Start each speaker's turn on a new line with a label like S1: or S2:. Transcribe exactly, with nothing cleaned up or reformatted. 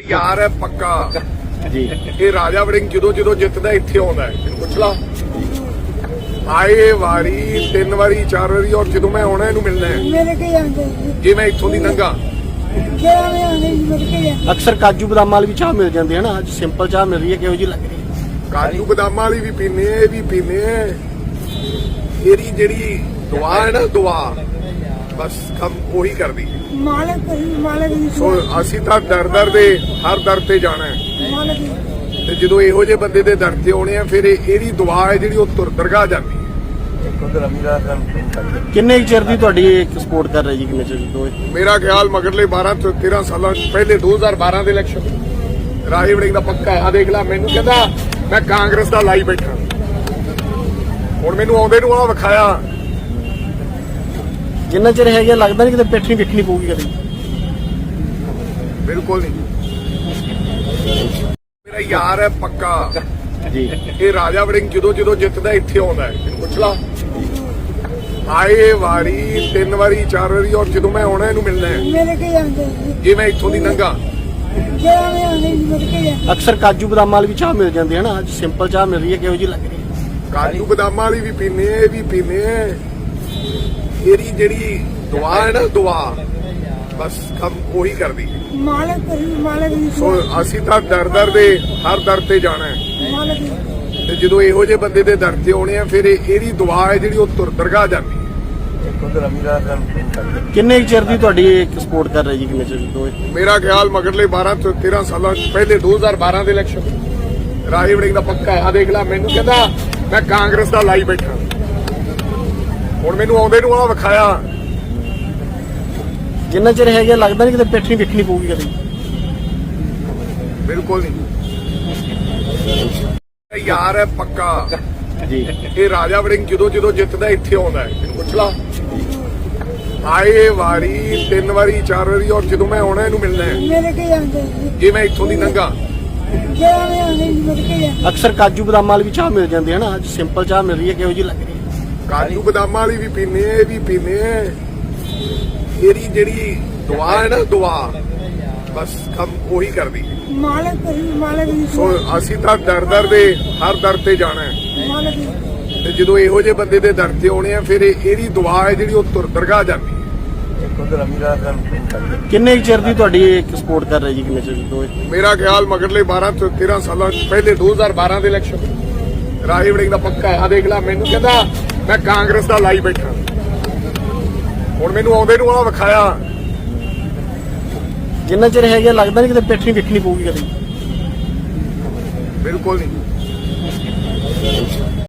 S1: ਯਾਰ ਹੈ ਪੱਕਾ
S2: ਜੀ।
S1: ਇਹ ਰਾਜਾ ਵੜਿੰਗ ਜਦੋਂ ਜਦੋਂ ਜਿੱਤਦਾ ਇੱਥੇ ਆਉਂਦਾ ਹੈ, ਇਹਨੂੰ ਪੁੱਛ ਲਾ। ਆਏ ਵਾਰੀ ਤਿੰਨ ਵਾਰੀ ਚਾਰ ਵਾਰੀ, ਔਰ ਜਦੋਂ ਮੈਂ ਆਉਣਾ ਇਹਨੂੰ ਮਿਲਣਾ ਹੈ
S3: ਮੇਰੇ ਕੇ ਜਾਂਦੇ
S1: ਜੇ ਮੈਂ ਇੱਥੋਂ ਦੀ ਲੰਘਾ।
S3: ਜਿਹੜਾ ਮੈਂ ਆਉਂਦੇ ਮੇਰੇ ਕੇ ਜਾਂਦੇ
S2: ਅਕਸਰ ਕਾਜੂ ਬਦਾਮ ਵਾਲੀ ਵੀ ਚਾਹ ਮਿਲ ਜਾਂਦੀ ਹੈ ਨਾ, ਅੱਜ ਸਿੰਪਲ ਚਾਹ ਮਿਲ ਰਹੀ ਹੈ, ਕਿਹੋ ਜੀ ਲੱਗ ਰਹੀ ਹੈ?
S1: ਕਾਜੂ ਬਦਾਮਾਂ ਵਾਲੀ ਵੀ ਪੀਨੇ, ਇਹ ਵੀ ਪੀਨੇ। ਇਹਦੀ ਜਿਹੜੀ ਦੁਆ ਹੈ ਨਾ, ਦੁਆ ਬਸ ਕੰਮ ਉਹੀ ਕਰਦੀ।
S3: ਮਾਲਕ ਕਰੀ ਮਾਲਕ ਦੀ
S1: ਸੋ ਅਸੀਂ ਤਾਂ ਦਰ ਦਰ ਦੇ ਹਰ ਦਰ ਤੇ ਜਾਣਾ ਹੈ,
S3: ਮਾਲਕ ਦੀ
S1: ਤੇ ਜਦੋਂ ਇਹੋ ਜਿਹੇ ਬੰਦੇ ਦੇ ਦਰ ਤੇ ਆਉਣੇ ਆ, ਫਿਰ ਇਹ- ਇਹਦੀ ਦੁਆ ਹੈ ਜਿਹੜੀ ਉਹ ਤੁਰ ਦਰਗਾਹ ਜਾਂਦੀ ਹੈ।
S2: ਕਿੰਨੇ ਕੁ ਚਿਰ ਦੀ ਤੁਹਾਡੀ ਸਪੋਰਟ ਕਰ ਰਹੀ ਜੀ, ਕਿੰਨੇ ਚਿਰ ਤੋਂ ਇਹ?
S1: ਮੇਰਾ ਖਿਆਲ ਮਗਰਲੇ ਬਾਰਾਂ ਤੋਂ ਤੇਰਾਂ ਸਾਲਾਂ ਪਹਿਲੇ ਦੋ ਹਜ਼ਾਰ ਬਾਰਾਂ ਦੇ ਇਲੈਕਸ਼ਨ ਰਾਜਾ ਵੜਿੰਗ ਦਾ ਪੱਕਾ ਹੈ। ਆ ਦੇਖ ਲੈ, ਮੈਨੂੰ ਕਹਿੰਦਾ ਮੈਂ ਕਾਂਗਰਸ ਦਾ ਲਾਈ ਬੈਠਾ, ਹੁਣ ਮੈਨੂੰ ਆਉਂਦੇ ਨੂੰ ਆ ਵਿਖਾਇਆ।
S2: ਜਿੰਨਾ ਚਿਰ ਹੈਗਾ ਲੱਗਦਾ ਨਹੀਂ ਕਿਤੇ ਪਿੱਠ ਨਹੀਂ ਵੇਖਣੀ ਪਊਗੀ ਕਦੇ।
S1: ਬਿਲਕੁਲ ਨਹੀਂ, ਮੇਰਾ ਯਾਰ ਹੈ ਪੱਕਾ
S2: ਜੀ।
S1: ਇਹ ਰਾਜਾ ਵੜਿੰਗ ਜਦੋਂ ਜਦੋਂ ਜਿੱਤਦਾ ਇੱਥੇ ਆਉਂਦਾ ਹੈ, ਇਹਨੂੰ ਪੁੱਛ ਲਾ। ਆਏ ਵਾਰੀ ਤਿੰਨ ਵਾਰੀ ਚਾਰ ਵਾਰੀ, ਔਰ ਜਦੋਂ ਮੈਂ ਆਉਣਾ ਇਹਨੂੰ ਮਿਲਣਾ ਹੈ
S3: ਮੇਰੇ ਕੇ ਜਾਂਦੇ
S1: ਜੇ ਮੈਂ ਇੱਥੋਂ ਦੀ ਲੰਘਾ।
S3: ਜਿਹੜਾ ਮੈਂ ਆਉਂਦੇ ਮੇਰੇ ਕੇ ਜਾਂਦੇ
S2: ਅਕਸਰ ਕਾਜੂ ਬਦਾਮ ਵਾਲੀ ਵੀ ਚਾਹ ਮਿਲ ਜਾਂਦੀ ਹੈ ਨਾ, ਅੱਜ ਸਿੰਪਲ ਚਾਹ ਮਿਲ ਰਹੀ ਹੈ, ਕਿਹੋ ਜੀ ਲੱਗ ਰਹੀ ਹੈ?
S1: ਕਾਜੂ ਬਦਾਮਾਂ ਵਾਲੀ ਵੀ ਪੀਨੇ, ਇਹ ਵੀ ਪੀਨੇ। ਇਹਦੀ ਜਿਹੜੀ ਦੁਆ ਹੈ ਨਾ, ਦੁਆ ਬਸ ਕੰਮ ਉਹੀ ਕਰਦੀ।
S3: ਮਾਲਕ ਕਰੀ ਮਾਲਕ ਦੀ
S1: ਸੋ ਅਸੀਂ ਤਾਂ ਦਰ ਦਰ ਦੇ ਹਰ ਦਰ ਤੇ ਜਾਣਾ ਹੈ,
S3: ਮਾਲਕ ਦੀ
S1: ਤੇ ਜਦੋਂ ਇਹੋ ਜਿਹੇ ਬੰਦੇ ਦੇ ਦਰ ਤੇ ਆਉਣੇ ਆ, ਫਿਰ ਇਹ- ਇਹਦੀ ਦੁਆ ਹੈ ਜਿਹੜੀ ਉਹ ਤੁਰ ਦਰਗਾਹ ਜਾਂਦੀ ਹੈ।
S2: ਕਿੰਨੇ ਕੁ ਚਿਰ ਦੀ ਤੁਹਾਡੀ ਸਪੋਰਟ ਕਰ ਰਹੀ ਜੀ, ਕਿੰਨੇ ਚਿਰ ਤੋਂ ਇਹ?
S1: ਮੇਰਾ ਖਿਆਲ ਮਗਰਲੇ ਬਾਰਾਂ ਤੋਂ ਤੇਰਾਂ ਸਾਲਾਂ ਪਹਿਲੇ ਦੋ ਹਜ਼ਾਰ ਬਾਰਾਂ ਦੇ ਇਲੈਕਸ਼ਨ ਰਾਜਾ ਵੜਿੰਗ ਦਾ ਪੱਕਾ ਹੈ। ਆ ਦੇਖ ਲੈ, ਮੈਨੂੰ ਕਹਿੰਦਾ ਮੈਂ ਕਾਂਗਰਸ ਦਾ ਲਾਈ ਬੈਠਾ, ਹੁਣ ਮੈਨੂੰ ਆਉਂਦੇ ਨੂੰ ਆ ਵਿਖਾਇਆ।
S2: ਜਿੰਨਾ ਚਿਰ ਹੈਗਾ ਲੱਗਦਾ ਨਹੀਂ ਕਿਤੇ ਪਿੱਠ ਨਹੀਂ ਵੇਖਣੀ ਪਊਗੀ ਕਦੇ।
S1: ਬਿਲਕੁਲ ਨਹੀਂ, ਇਹ ਯਾਰ ਹੈ ਪੱਕਾ
S2: ਜੀ।
S1: ਇਹ ਰਾਜਾ ਵੜਿੰਗ ਜਦੋਂ ਜਦੋਂ ਜਿੱਤਦਾ ਇੱਥੇ ਆਉਂਦਾ ਹੈ, ਇਹਨੂੰ ਪੁੱਛ ਲਾ। ਆਏ ਵਾਰੀ ਤਿੰਨ ਵਾਰੀ ਚਾਰ ਵਾਰੀ, ਔਰ ਜਦੋਂ ਮੈਂ ਆਉਣਾ ਇਹਨੂੰ ਮਿਲਣਾ ਹੈ
S3: ਮੇਰੇ ਕੇ ਜਾਂਦੇ
S1: ਜੇ ਮੈਂ ਇੱਥੋਂ ਦੀ ਲੰਘਾ।
S3: ਜਿਹੜਾ ਮੈਂ ਆਉਂਦੇ ਮੇਰੇ ਕੇ ਜਾਂਦੇ
S2: ਅਕਸਰ ਕਾਜੂ ਬਦਾਮ ਵਾਲੀ ਵੀ ਚਾਹ ਮਿਲ ਜਾਂਦੀ ਹੈ ਨਾ, ਅੱਜ ਸਿੰਪਲ ਚਾਹ ਮਿਲ ਰਹੀ ਹੈ, ਕਿਹੋ ਜੀ ਲੱਗ ਰਹੀ ਹੈ?
S1: ਕਾਜੂ ਬਦਾਮਾਂ ਵਾਲੀ ਵੀ ਪੀਨੇ, ਇਹ ਵੀ ਪੀਨੇ। ਇਹਦੀ ਜਿਹੜੀ ਦੁਆ ਹੈ ਨਾ, ਦੁਆ ਬਸ ਕੰਮ ਉਹੀ ਕਰਦੀ।
S3: ਮਾਲਕ ਕਰੀ ਮਾਲਕ ਦੀ
S1: ਸੋ ਅਸੀਂ ਤਾਂ ਦਰ ਦਰ ਦੇ ਹਰ ਦਰ ਤੇ ਜਾਣਾ ਹੈ,
S3: ਮਾਲਕ ਦੀ
S1: ਤੇ ਜਦੋਂ ਇਹੋ ਜਿਹੇ ਬੰਦੇ ਦੇ ਦਰ ਤੇ ਆਉਣੇ ਆ, ਫਿਰ ਇਹ- ਇਹਦੀ ਦੁਆ ਹੈ ਜਿਹੜੀ ਉਹ ਤੁਰ ਦਰਗਾਹ ਜਾਂਦੀ ਹੈ।
S2: ਕਿੰਨੇ ਕੁ ਚਿਰ ਦੀ ਤੁਹਾਡੀ ਸਪੋਰਟ ਕਰ ਰਹੀ ਜੀ, ਕਿੰਨੇ ਚਿਰ ਤੋਂ ਇਹ?
S1: ਮੇਰਾ ਖਿਆਲ ਮਗਰਲੇ ਬਾਰਾਂ ਤੋਂ ਤੇਰਾਂ ਸਾਲਾਂ ਪਹਿਲੇ ਦੋ ਹਜ਼ਾਰ ਬਾਰਾਂ ਦੇ ਇਲੈਕਸ਼ਨ ਰਾਜਾ ਵੜਿੰਗ ਦਾ ਪੱਕਾ ਹੈ। ਆ ਦੇਖ ਲੈ, ਮੈਨੂੰ ਕਹਿੰਦਾ ਮੈਂ ਕਾਂਗਰਸ ਦਾ ਲਾਈ ਬੈਠਾ, ਹੁਣ ਮੈਨੂੰ ਆਉਂਦੇ ਨੂੰ ਆ ਵਿਖਾਇਆ।
S2: ਜਿੰਨਾ ਚਿਰ ਹੈਗਾ ਲੱਗਦਾ ਨਹੀਂ ਕਿਤੇ ਪਿੱਠ ਨਹੀਂ ਵੇਖਣੀ ਪਊਗੀ ਕਦੇ।
S1: ਬਿਲਕੁਲ ਨਹੀਂ,